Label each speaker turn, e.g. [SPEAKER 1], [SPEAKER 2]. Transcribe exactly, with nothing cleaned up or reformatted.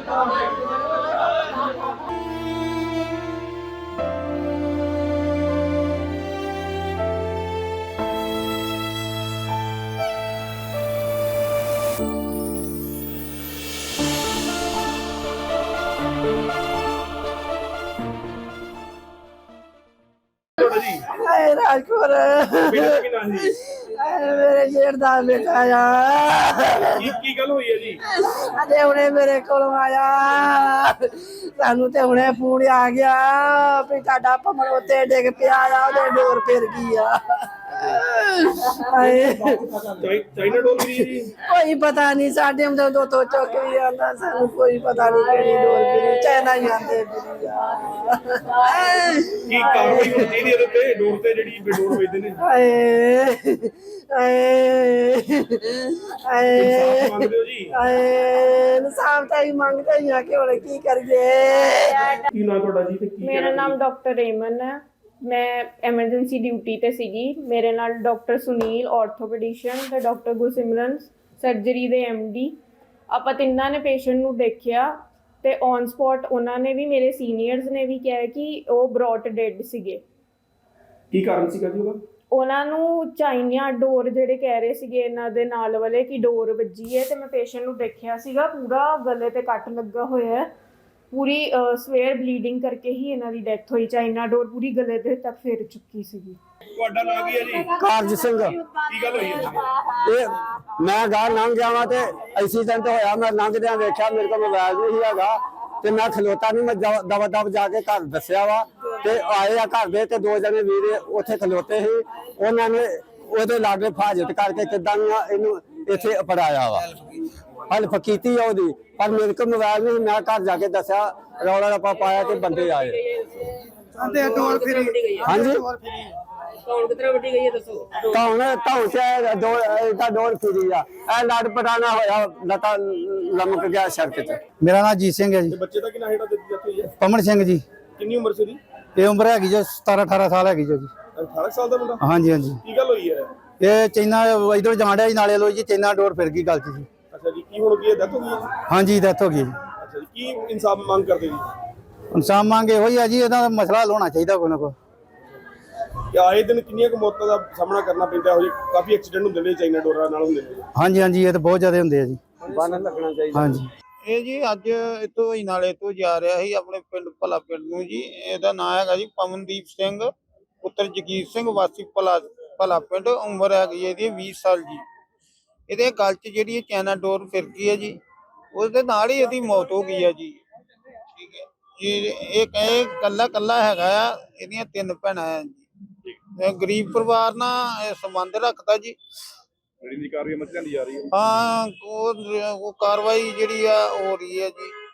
[SPEAKER 1] राजपुर मेरे जेठ दा बेटा आ
[SPEAKER 2] की गल हुई है जी
[SPEAKER 1] अजे हुणे मेरे कोल आया सानू ते हुणे फोन आ गया भी तुहाडा भमर उत्ते डिग पिया आ ओदे डोर फिर गई आ
[SPEAKER 2] चाइना डोर फिरी जी
[SPEAKER 1] कोई पता नहीं साडे हम दो तो चुक भी आंदा सानू कोई पता नहीं केड़ी डोर फिरी चाइना ही आंदे फिरी
[SPEAKER 2] की कार्रवाई होनी चाहिए ਇਹਦੇ ਤੇ ਡੋਰ ਤੇ ਜਿਹੜੀ ਬੇਡੋਰ ਵੇਚਦੇ ਨੇ
[SPEAKER 1] ਆਏ ਆਏ ਆਏ
[SPEAKER 2] ਮੰਗਦੇ ਹੋ ਜੀ
[SPEAKER 1] ਆਏ ਇਨਸਾਫ ਤਾਂ ਹੀ ਮੰਗਦੇ ਹੀ ਆ ਕਿ ਹੁਣ ਕੀ ਕਰੀਏ
[SPEAKER 2] ਕੀ ਨਾਮ ਤੁਹਾਡਾ ਜੀ ਤੇ ਕੀ
[SPEAKER 3] ਮੇਰਾ ਨਾਮ ਡਾਕਟਰ ਰੇਮਨ ਹੈ ਮੈਂ ਐਮਰਜੈਂਸੀ ਡਿਊਟੀ ਤੇ ਸੀਗੀ ਮੇਰੇ ਨਾਲ ਡਾਕਟਰ ਸੁਨੀਲ ਆਰਥੋਪੈਡਿਸ਼ਨ ਤੇ ਡਾਕਟਰ ਗੁਰਸਿਮਰਨ ਸਰਜਰੀ ਦੇ ਐਮਡੀ ਆਪਾਂ ਤਿੰਨਾਂ ਨੇ ਪੇਸ਼ੈਂਟ ਨੂੰ ਦੇਖਿਆ ਤੇ ਔਨ ਸਪੌਟ ਉਹਨਾਂ ਨੇ ਵੀ ਮੇਰੇ ਸੀਨੀਅਰਸ ਨੇ ਵੀ ਕਿਹਾ ਕਿ ਉਹ ਬ੍ਰੌਟ ਡੈਡ ਸੀਗੇ
[SPEAKER 2] ਕੀ ਕਾਰਨ ਸੀਗਾ ਜੀ ਉਹਦਾ
[SPEAKER 3] ਉਹਨਾਂ ਨੂੰ ਚਾਈਨਾ ਡੋਰ ਜਿਹੜੇ ਕਹਿ ਰਹੇ ਸੀਗੇ ਇਹਨਾਂ ਦੇ ਨਾਲ ਵਾਲੇ ਕਿ ਡੋਰ ਵੱਜੀ ਹੈ ਤੇ ਮੈਂ ਪੇਸ਼ੈਂਟ ਨੂੰ ਦੇਖਿਆ ਸੀਗਾ ਪੂਰਾ ਗਲੇ ਤੇ ਕੱਟ ਲੱਗਾ ਹੋਇਆ ਹੈ ਪੂਰੀ ਸਵੇਅਰ ਬਲੀਡਿੰਗ ਕਰਕੇ ਹੀ ਇਹਨਾਂ ਦੀ ਡੈਥ ਹੋਈ ਚਾਈਨਾ ਡੋਰ ਪੂਰੀ ਗਲੇ ਦੇ ਤੱਕ ਫੇਰ ਚੁੱਕੀ ਸੀਗੀ
[SPEAKER 2] ਤੁਹਾਡਾ ਨਾਮ ਕੀ ਹੈ ਜੀ
[SPEAKER 4] ਕਾਰਜ ਸਿੰਘ
[SPEAKER 2] ਕੀ ਗੱਲ ਹੋਈ ਹੈ
[SPEAKER 4] ਇਹ ਮੈਂ ਗਾਂ ਲੰਘ ਗਿਆ ਵਾਂ ਤੇ ਐਕਸੀਡੈਂਟ ਹੋਇਆ ਮੈਂ ਲੰਘਦਿਆਂ ਵੇਖਿਆ ਮੇਰੇ ਕੋਲ ਮੋਬਾਈਲ ਨਹੀਂ ਹੈਗਾ ਤੇ ਮੈਂ ਖਲੋਤਾ ਨਹੀਂ ਮੈਂ ਦਵਾ ਦਵ ਜਾ ਕੇ ਘਰ ਦੱਸਿਆ ਵਾ ਤੇ ਆਏ ਆ ਘਰ ਦੇ ਤੇ ਦੋ ਜਣੇ ਵੀਰ ਉੱਥੇ ਖਲੋਤੇ ਸੀ ਉਹਨਾਂ ਨੇ ਉਹਦੇ ਲਾਗੇ ਫਾਜ਼ਤ ਕਰਕੇ ਕਿੱਦਾਂ ਇਹਨੂੰ ਇੱਥੇ ਅਪੜਾਇਆ ਵਾ ਹੈਲਪ ਕੀਤੀ ਆ ਉਹਦੀ ਪਰ ਮੇਰੇ ਕੋਲ ਮੋਬਾਈਲ ਨਹੀਂ ਮੈਂ ਘਰ ਜਾ ਕੇ ਦੱਸਿਆ ਰੌਲਾ ਰੱਪਾ ਪਾਇਆ ਤੇ ਬੰਦੇ ਆਏ ਹਾਂਜੀ
[SPEAKER 5] ਕੌਣ ਕਿਤਨਾ ਵੱਡੀ ਗਈ ਹੈ ਦੱਸੋ
[SPEAKER 4] ਕੌਣ ਕੌਣ ਸੇ ਦੋ ਇਹਦਾ ਡੋਰ ਫਿਰੀ ਆ ਇਹ ਲੜ ਪਟਾਣਾ ਹੋਇਆ ਲਤਾ ਲਮਕ ਗਿਆ ਸੜਕ ਤੇ ਮੇਰਾ ਨਾਮ ਜੀਤ ਸਿੰਘ ਹੈ ਜੀ
[SPEAKER 2] ਬੱਚੇ ਦਾ ਕਿੰਨਾ ਹੈਡਾ ਦਿੱਤੀ ਹੋਈ ਹੈ
[SPEAKER 4] ਪਮਨ ਸਿੰਘ ਜੀ
[SPEAKER 2] ਕਿੰਨੀ ਉਮਰ ਸੀ ਦੀ
[SPEAKER 4] ਇਹ ਉਮਰ ਹੈਗੀ ਜੋ ਸਤਾਰਾਂ ਅਠਾਰਾਂ ਸਾਲ ਹੈਗੀ ਜੋ ਜੀ
[SPEAKER 2] ਅਠਾਰਾਂ ਸਾਲ ਦਾ ਮੁੰਡਾ
[SPEAKER 4] ਹਾਂਜੀ ਹਾਂਜੀ
[SPEAKER 2] ਕੀ ਗੱਲ ਹੋਈ ਹੈ
[SPEAKER 4] ਇਹ ਚੈਨਾ ਇਧਰ ਜਾਣਿਆ ਜੀ ਨਾਲੇ ਲੋ ਜੀ ਚੈਨਾ ਡੋਰ ਫਿਰ ਗਈ ਗੱਲ ਚ ਜੀ
[SPEAKER 2] ਅੱਛਾ ਜੀ ਕੀ ਹੁਣ ਕੀ ਡੈਥ ਹੋ ਗਈ ਹੈ
[SPEAKER 4] ਹਾਂਜੀ ਡੈਥ ਹੋ ਗਈ ਜੀ
[SPEAKER 2] ਅੱਛਾ ਜੀ ਕੀ ਇਨਸਾਫ ਮੰਗ ਕਰਦੇ ਜੀ
[SPEAKER 4] ਇਨਸਾਫ ਮੰਗ ਇਹੋ ਹੀ ਆ ਜੀ ਇਹਦਾ ਮਸਲਾ ਹੱਲ ਹੋਣਾ ਚਾਹੀਦਾ ਕੋਈ ਨਾ ਕੋਈ
[SPEAKER 2] ਕਿ ਆਏ ਦਿਨ ਕਿੰਨੀਆਂ ਕੁ ਮੌਤਾਂ ਦਾ ਸਾਹਮਣਾ ਕਰਨਾ ਪੈਂਦਾ ਹੋ ਜੀ ਕਾਫੀ ਐਕਸੀਡੈਂਟ ਹੁੰਦੇ ਨੇ ਚਾਈਨਾ ਡੋਰਾਂ ਨਾਲ ਹੁੰਦੇ ਨੇ
[SPEAKER 4] ਹਾਂਜੀ ਹਾਂਜੀ ਇਹ ਤਾਂ ਬਹੁਤ ਜ਼ਿਆਦਾ ਹੁੰਦੇ ਆ ਜੀ ਬੰਨ ਲੱਗਣਾ ਚਾਹੀਦਾ ਹਾਂਜੀ
[SPEAKER 6] ਇਹ ਜੀ ਅੱਜ ਇਤੋਂ ਹੀ ਨਾਲੇ ਤੋਂ ਜਾ ਰਿਹਾ ਸੀ ਆਪਣੇ ਪਿੰਡ ਭਲਾ ਪਿੰਡ ਨੂੰ ਜੀ ਇਹਦਾ ਨਾਮ ਹੈਗਾ ਜੀ ਪਵਨਦੀਪ ਸਿੰਘ ਪੁੱਤਰ ਜਗੀਰ ਸਿੰਘ ਵਾਸੀ ਭਲਾ ਭਲਾ ਪਿੰਡ ਉਮਰ ਹੈਗੀ ਇਹਦੀ ਵੀਹ ਸਾਲ ਜੀ ਇਹਦੇ ਗਲ 'ਚ ਜਿਹੜੀ ਚਾਈਨਾ ਡੋਰ ਫਿਰ ਗਈ ਹੈ ਜੀ ਉਸਦੇ ਨਾਲ ਹੀ ਇਹਦੀ ਮੌਤ ਹੋ ਗਈ ਹੈ ਜੀ ਠੀਕ ਹੈ ਜੀ ਇਹ ਕਹੇ ਕੱਲਾ ਕੱਲਾ ਹੈਗਾ ਆ ਇਹਦੀਆਂ ਤਿੰਨ ਭੈਣਾਂ ਆ ਜੀ ਗਰੀਬ ਪਰਿਵਾਰ ਨਾਲ ਸੰਬੰਧ ਰੱਖਦਾ ਜੀ
[SPEAKER 2] ਜਿਹੜੀ ਦੀ ਕਾਰਵਾਈ ਮੱਝਾਂ ਦੀ ਜਾ ਰਹੀ ਹੈ
[SPEAKER 6] ਹਾਂ ਉਹ ਉਹ ਕਾਰਵਾਈ ਜਿਹੜੀ ਆ ਹੋ ਰਹੀ ਹੈ ਜੀ